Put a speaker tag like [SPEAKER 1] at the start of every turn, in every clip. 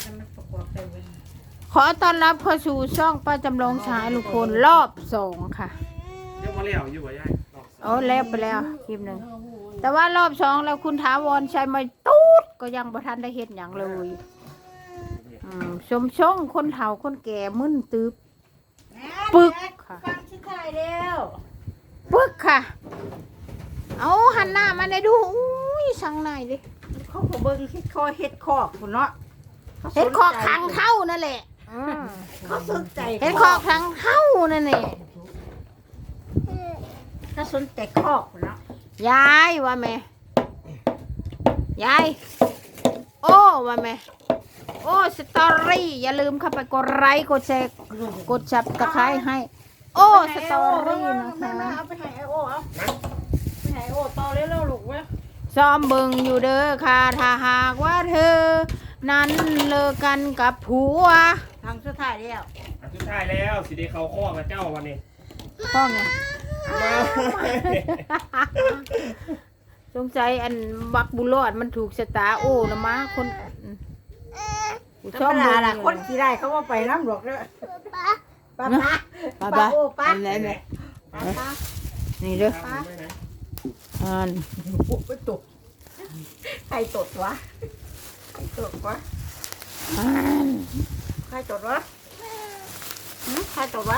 [SPEAKER 1] มันประกอบไปเว้ย
[SPEAKER 2] ขอต้อนรับเข้าสู่ช่องป้าจำลองชายลุงพลรอบ2ค่ะ
[SPEAKER 3] เรียกว่าเลี้ยวอยู่ว่ายายรอบสอง
[SPEAKER 2] โอ้แล้วไปแล้วคลิปหนึ่งแต่ว่ารอบ2แล้วคุณถาวรชัยไม่ตูดก็ยังบ่ทันได้เฮ็ดหยังเลยชมช่องคนเฒ่าคนแก่มึนตึบปึกค่ะ
[SPEAKER 1] ฟังชิคายแล้ว
[SPEAKER 2] ปึกค่ะเอาหันหน้ามาได้ดูอุ้ยสั่งไหนดิ
[SPEAKER 1] เขาก็เบิ่งเฮ็ดคอเฮ็ดคอกพุ่นเนาะ
[SPEAKER 2] เฮ็ดคอกทางเข้านั่นแหละ
[SPEAKER 1] เขาสนใจ
[SPEAKER 2] เฮ็ดคอกทางเข้านั่นแหละ
[SPEAKER 1] เขาสนใจคอกพุ่นเนาะ
[SPEAKER 2] ยายว่าแม่ยายโอ้ว่าแม่โอ้สตอรี่อย่าลืมเข้าไปกดไลค์กดแชร์กดจับตะไคร้ให้ โอ้สตอรี่นะคะ
[SPEAKER 1] เอาไปให้ไอโอเอาไปให้ไอโอต่อเร็วๆลูกเว้ย
[SPEAKER 2] ซ้อมเบิ่งอยู่เด้อค่ะถ้าหากว่าเธอ นั้นเลิกกันกับผัว
[SPEAKER 1] ทางสุดท้ายแล้ว
[SPEAKER 3] อันสุดท้ายแล้วสิได้เขาข้อกับเจ้าวันนี้
[SPEAKER 2] พ่อไง
[SPEAKER 3] มา
[SPEAKER 2] สงสัยอันบักบุรอดมันถูกชะตาโอ้นะมาคนกู
[SPEAKER 1] ธร
[SPEAKER 2] ชอบ
[SPEAKER 1] รม
[SPEAKER 2] เบิ่
[SPEAKER 1] ดาง ล่ะคนที่ได้เขาว่าไปน้ำหลวกเด้อป้า
[SPEAKER 2] ป้า
[SPEAKER 1] โอ้ป้า
[SPEAKER 2] อันไหนเนี่ย
[SPEAKER 1] ป้า
[SPEAKER 2] นี่เด้อ
[SPEAKER 3] ตามด้วยนะ
[SPEAKER 2] อัน
[SPEAKER 1] โอ้ไปตกใครตดวะใครตดวะ
[SPEAKER 2] อัน
[SPEAKER 1] ใครตดวะใครตดวะ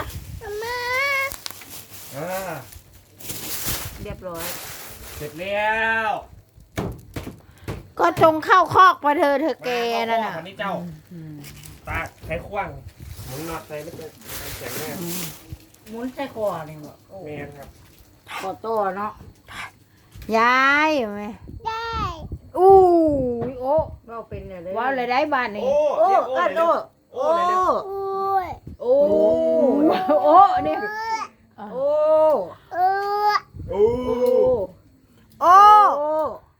[SPEAKER 3] อ่า
[SPEAKER 1] เรียบร้อย
[SPEAKER 3] เสร็จแล้ว
[SPEAKER 2] ก็จงเข้าคอกไปเธอแกนั่นน่ะ
[SPEAKER 3] วันนี้เจ้าตาไขขว้างหมุนน็อตใส่ไม่เป็นแข็งแน่
[SPEAKER 1] หมุนใส่คอนี่บ่โอ้
[SPEAKER 3] เมนครับ
[SPEAKER 1] คอโตเนาะ
[SPEAKER 2] ยายไหมอู้ยโอ้
[SPEAKER 1] เราเป็นอะไร
[SPEAKER 2] ว้าวเลยได้บ้านนี้
[SPEAKER 3] โอ้
[SPEAKER 1] โอ้
[SPEAKER 3] เรียก
[SPEAKER 1] โอ้
[SPEAKER 3] โอ้เลยเร็ว
[SPEAKER 1] โอ้
[SPEAKER 3] โอ้
[SPEAKER 1] โอ้
[SPEAKER 2] โอ้เนี่ย
[SPEAKER 1] โอ้
[SPEAKER 3] โอ้
[SPEAKER 1] โอ้
[SPEAKER 2] โอ้
[SPEAKER 1] โอ้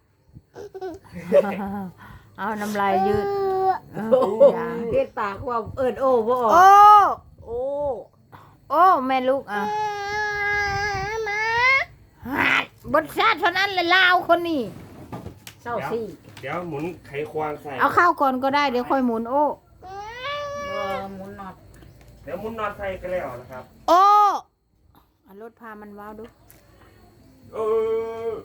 [SPEAKER 2] เอาน้ำลายยืด
[SPEAKER 1] โอ้เฮ็ดปากว่าเอิ้นโอ้บ่ออก
[SPEAKER 2] โอ้
[SPEAKER 1] โอ้
[SPEAKER 2] โอ้แม่ลูกอ่ะบทชาติเท่านั้นเลยลาวคนนี้
[SPEAKER 1] เศร้าสิ
[SPEAKER 3] เดี๋ยวหมุนไขควางใส่
[SPEAKER 2] เอาเข้าก่อนก็ได้เดี๋ยวค่อยหมุนโอ้
[SPEAKER 1] หมุนน็อต
[SPEAKER 3] เดี๋ยวหมุนน็อตใส่กันแล้วนะครับ
[SPEAKER 2] โอ้เอารถพามันว้าวดู
[SPEAKER 3] เออ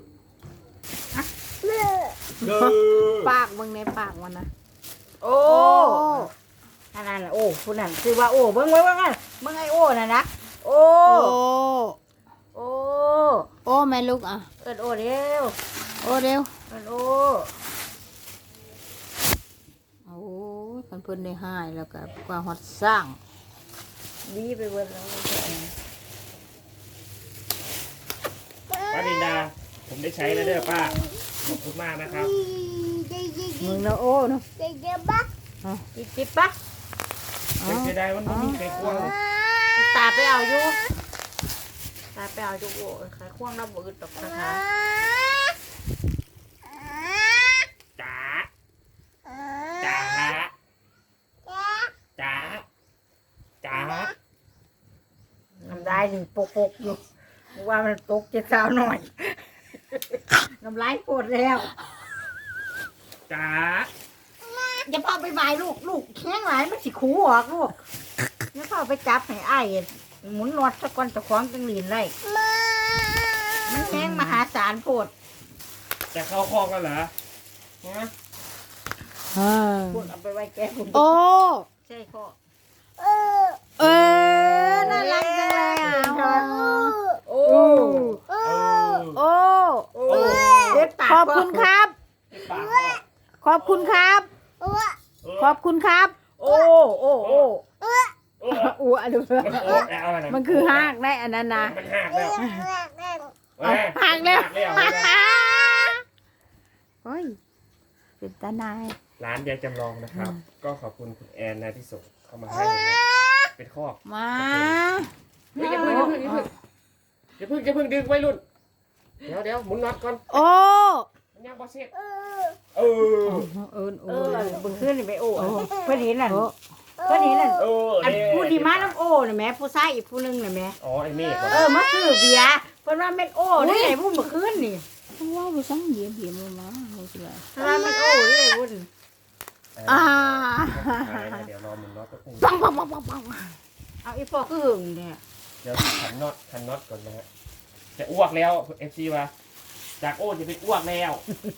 [SPEAKER 3] เออ
[SPEAKER 2] ปากมึงในปากมันนะ
[SPEAKER 1] โอ้นั่นน่ะโอ้ผู้นั้นคือว่าโอ้เบิ่งไว้ว่างั้นเบิ่งไอ้โอ้น่ะนะโอ้
[SPEAKER 2] โอ้
[SPEAKER 1] โอ้
[SPEAKER 2] โอ้แม่ลูกอ่ะ
[SPEAKER 1] เอิ้นโอ้เร็ว
[SPEAKER 2] โอ้เร็ว
[SPEAKER 1] เอิ้นโอ้
[SPEAKER 2] โอ้ยเพิ่นได้ให้แล้วก็กว่าฮอดสร้าง
[SPEAKER 1] ดีไปเบิดแล้ว
[SPEAKER 3] ป้าดินดา ผมได้ใช้แล้วเด้อป้า ขอบคุณมากนะครับ
[SPEAKER 2] มึงนะโอ้เนาะ
[SPEAKER 1] จิบปะ
[SPEAKER 3] เป็นเสียดายมันไม่มีไขควง
[SPEAKER 1] ตาไปเอาอยู่ตาไปเอาอยู่โอ้ขายควงน้ำบ่อึดดอกนะคะ
[SPEAKER 3] จ๋าจ๋าจ๋าจ๋า
[SPEAKER 1] น้ำลายนี่ปกๆอยู่ว่ามันตกจะสาวหน่อยน้ำลายปวดแล้ว
[SPEAKER 3] จ๋า
[SPEAKER 1] อย่าพ่อไปบายลูกแข้งหลายมันสิคูออกลูกอย่าพ่อไปจับให้อ้ายหมุนนวดสักวันตะควงจังหลีนเลยมันแข้งมหาศาลโพด
[SPEAKER 3] จะเข้าคอกแล้วเหรอฮะ
[SPEAKER 1] พวกเอาไปไว้แก้คุณ
[SPEAKER 2] โอ้
[SPEAKER 1] ใช่ข้อ
[SPEAKER 2] เออน่ารักจังเลยอ่ะ
[SPEAKER 1] โอ้
[SPEAKER 3] เออ
[SPEAKER 2] โอ้
[SPEAKER 1] โอ้เด็ดปาก
[SPEAKER 2] ขอบคุณครับ
[SPEAKER 3] ปาก
[SPEAKER 2] ขอบคุณครับ ขอบคุณครับ
[SPEAKER 1] โอ้โอ้โอ้
[SPEAKER 3] โอ้
[SPEAKER 2] อ้วนดู
[SPEAKER 3] อะไรนะ
[SPEAKER 2] มันคือหากได้อันนั้นนะ
[SPEAKER 3] มันหักแล้ว
[SPEAKER 2] เอาหากแล้ว
[SPEAKER 3] หักแล้ว
[SPEAKER 2] เฮ้ยเป็นตาหนาย
[SPEAKER 3] ร้านยายจำลองนะครับ ก็ขอบคุณคุณแอนนะที่ส่งเข้ามาให้นะเป็นคอก
[SPEAKER 2] มา
[SPEAKER 3] อย่าเพิ่งดึงไว้รุ่น เดี๋ยวหมุนน็อตก่อน
[SPEAKER 2] โอ้
[SPEAKER 3] มันยังบอเสร็จเออ
[SPEAKER 2] เอิน
[SPEAKER 1] เอ
[SPEAKER 2] โอ้
[SPEAKER 1] อบึงขึ้นนี่ไปโอ้เพื่อนเห็นนั่น
[SPEAKER 2] โอ้
[SPEAKER 1] เพื่อนเห็นนั่น
[SPEAKER 3] เออ
[SPEAKER 1] อันผู้ดีมาน้ำโอ้น่ะแม่ผู้ชายอีกผู้หนึงน่ะแม่
[SPEAKER 3] อ๋อไอ้เมฆ
[SPEAKER 1] มาซื้อเบียร์เพิ่นว่าแม่นโอ้ได้ไงผู้เมื่อคืนนี่
[SPEAKER 2] ว้าวไปสั่งเหยียบมาไม่ใช่
[SPEAKER 1] เพิ่นว่าแม่นโอ้ได้ไงวุ่น
[SPEAKER 3] เ
[SPEAKER 2] อ่า
[SPEAKER 3] เดี๋ยวรอหมุนน็อตแป๊บนึง
[SPEAKER 2] ปังปังปังปังปัง
[SPEAKER 1] เอาอีพอคือหึงเนี่ย
[SPEAKER 3] เดี๋ยวขันน็อตก่อนนะฮะจะอ้วกแล้วเอฟซีว่าจากโอ้จะเป็นอ้วกแล้ว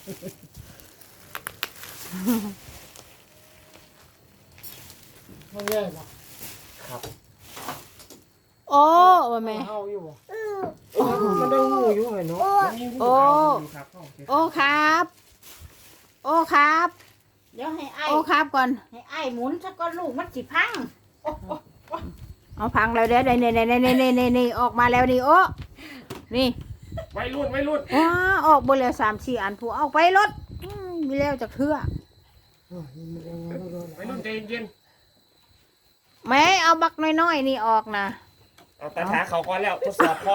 [SPEAKER 4] มันแย่ป่ะ
[SPEAKER 3] ครับ
[SPEAKER 2] โอ้ว่าแม่
[SPEAKER 4] เฮาอยู่ป่ะมันได้งูอยู่ไงเนาะ
[SPEAKER 3] มันมีหูเก่าอยู่ครับ
[SPEAKER 2] โอ้ครับ โอ้ครับ
[SPEAKER 1] เดี๋ยวให้ไอ้
[SPEAKER 2] โอ้ครับก่อน
[SPEAKER 1] ให้ไอ้หมุนซะก่อนลูกมันสิพัง
[SPEAKER 2] เอาพังแล้วเดี๋ยวนี่ออกมาแล้วนี่โอ้นี่
[SPEAKER 3] วัยรุ่น
[SPEAKER 2] ว้าออกบนแล้ว3-4 อันผู้เอาไปรถมีแล้วจากเทื่อ
[SPEAKER 3] วัยรุ่นใจเย็น
[SPEAKER 2] แม่เอาบักน้อยๆนี่ออกนะ
[SPEAKER 3] ๆเอาตาขาเขาก่อนแล้วทดสอบคอ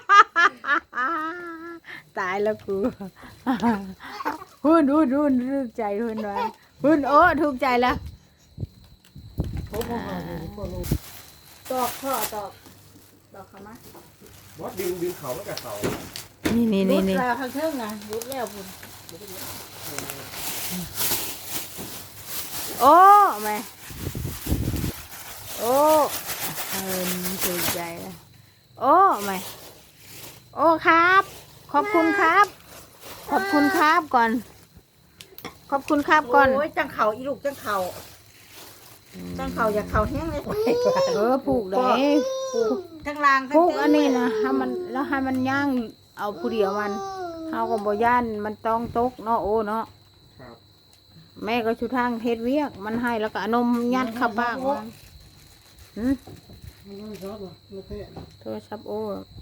[SPEAKER 2] ตายแล้วกู หุ่นถูกใจหุ่นไว้หุ่นโอ้ถูกใจแล้ว
[SPEAKER 1] ตอกพ่อตอกเข้ามา
[SPEAKER 3] บอสดึงเขาแล้วกับเขา
[SPEAKER 2] นี่
[SPEAKER 1] รุดแล้วข้างเทิงนะรุดแล้วพุ่น
[SPEAKER 2] โอ้แม่โอ้ถูกใจแล้วโอ้แม่โอ้ครับ ขอบคุณครับ ขอบคุณครับก่อน ขอบคุณครับก่อน
[SPEAKER 1] โอ้ยจังเข่าอีลูกจังเข่าอย่าเข่าแห้งเลย
[SPEAKER 2] ผูกได้
[SPEAKER 1] ทั้งล่างทั้ง
[SPEAKER 2] ผูก
[SPEAKER 1] เทิง
[SPEAKER 2] อันนี้นะให้มันแล้วให้มันย่างเอาผู้เดียวมันเฮาก็บ่ย่านมันต้องตกเนาะโอ้เนาะ
[SPEAKER 3] ครับ
[SPEAKER 2] แม่ก็ชุทางเฮ็ดเวียกมันให้แล้วก็เอานมยัดเข้าปากมันหืม
[SPEAKER 4] มันไม่ชอบหรอไม่เตะ
[SPEAKER 2] โทรศัพท์โอ้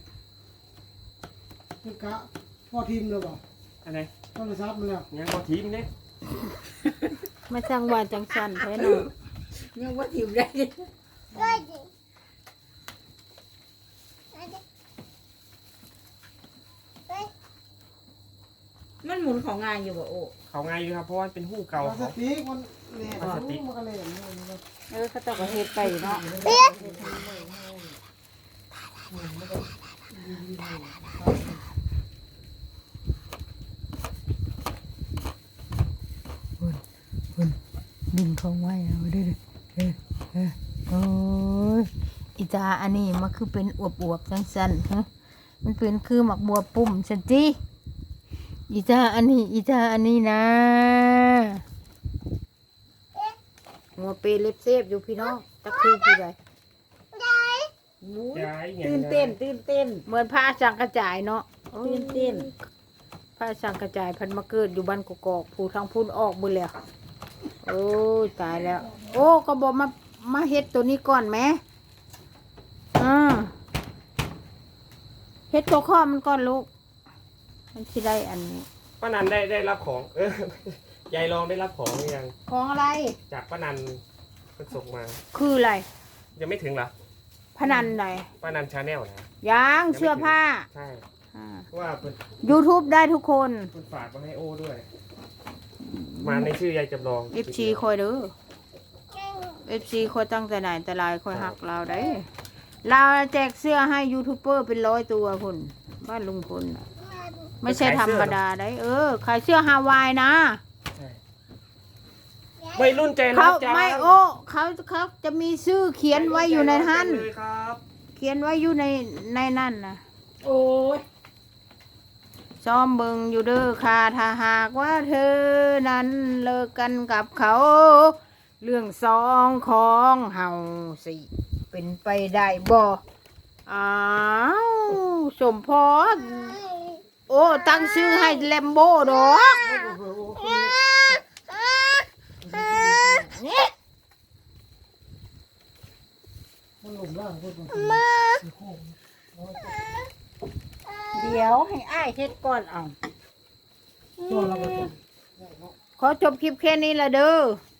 [SPEAKER 4] มันกะพ่อทีมเลยป่ะ
[SPEAKER 3] อะไร
[SPEAKER 4] โทรศัพท์มันแล้ว
[SPEAKER 3] ยังพอทีมเนี่ย
[SPEAKER 2] มาสร้างว่าจังสันแท้เนาะ
[SPEAKER 1] ยังว่าถิ่มได้มันหมุนของงานอยู่บ่โอ้
[SPEAKER 3] เขาไงอยู่ครับเพราะว่าเป็นหูเก่า
[SPEAKER 4] พลาส
[SPEAKER 3] เขา
[SPEAKER 4] ติกมันแหลก
[SPEAKER 3] พลาสติก
[SPEAKER 4] มันก็แหลก
[SPEAKER 2] เขาเจ้าก็เฮ็ดไปเนาะดึงของไว้เอาเด้อโอ้ยอีตาอันนี้มันคือเป็นอวบๆจังซั่นฮะมันเป็นคือหมักบัวปุ่มซั่นติอีตาอันนี้นะหัวเปเล็บเซฟอยู่พี่น้องตะคือผู้ใด
[SPEAKER 3] ย้ายไง
[SPEAKER 1] ตื่นเต้น
[SPEAKER 2] เหมือนผ้าสังกระจายเนาะ
[SPEAKER 1] ตื่นเต้น
[SPEAKER 2] ผ้าสังกระจายพันมาเกิดอยู่บ้านกอกๆผู้ทางพุ่นออกหมดแล้วโอ้ยตายแล้ว โอ้ก็บอกมาเฮ็ดตัวนี้ก่อนไหมเฮ็ดตัวข้อมันก่อนลูกมันสิได้อันนี้
[SPEAKER 3] ป้านันได้รับของ ยายลองได้รับของหรือยัง
[SPEAKER 2] ของอะไร
[SPEAKER 3] จากป้านันมันส่งมา
[SPEAKER 2] คืออะไร
[SPEAKER 3] ยังไม่ถึงเหรอ
[SPEAKER 2] พนันไหน
[SPEAKER 3] ป้านันชาแนลนะ
[SPEAKER 2] ยางเสื้อผ้า
[SPEAKER 3] ใช่เพราะว่าเพิ่น
[SPEAKER 2] YouTube ได้ทุกคน
[SPEAKER 3] เพิ่นฝากมาให้โอ้ด้วย มาในชื่อยายจำลอง
[SPEAKER 2] FC คอยเด้อ FC คอยตั้งแต่ไหนแต่ไรคอยหักเราได้ เราแจกเสื้อให้ยูทูบเบอร์เป็น100 ตัวคุณบ้านลุงพลน่ะไม่ใช่ธรรมดาได้ขายเสื้อฮาวายนะ
[SPEAKER 3] ใช่วัยรุ่นใจรั
[SPEAKER 2] เขา
[SPEAKER 3] กจ้า
[SPEAKER 2] ไม่เขาจะมีชื่อเขียนไว้อยู่ในนั้น
[SPEAKER 3] เลยครับ
[SPEAKER 2] เขียนไว้อยู่ในนั่นนะ
[SPEAKER 1] โอ้ย
[SPEAKER 2] ซ้อมเบิงอยู่เด้อค่ะถ้าหากว่าเธอนั้นเลิกกันกับเขา เรื่องสองของเฮาสิเป็นไปได้บ่อ้าวสมพรโอ้ตั้งชื่อให้แลมโบ้ดอก
[SPEAKER 4] มันหลุมล่างพูดมัน
[SPEAKER 1] เดี๋ยวให้อ้ายเฮ็ดก่อนเอา
[SPEAKER 4] ตัวเราก็
[SPEAKER 2] ขอจบคลิปแค่นี้ละเด้อ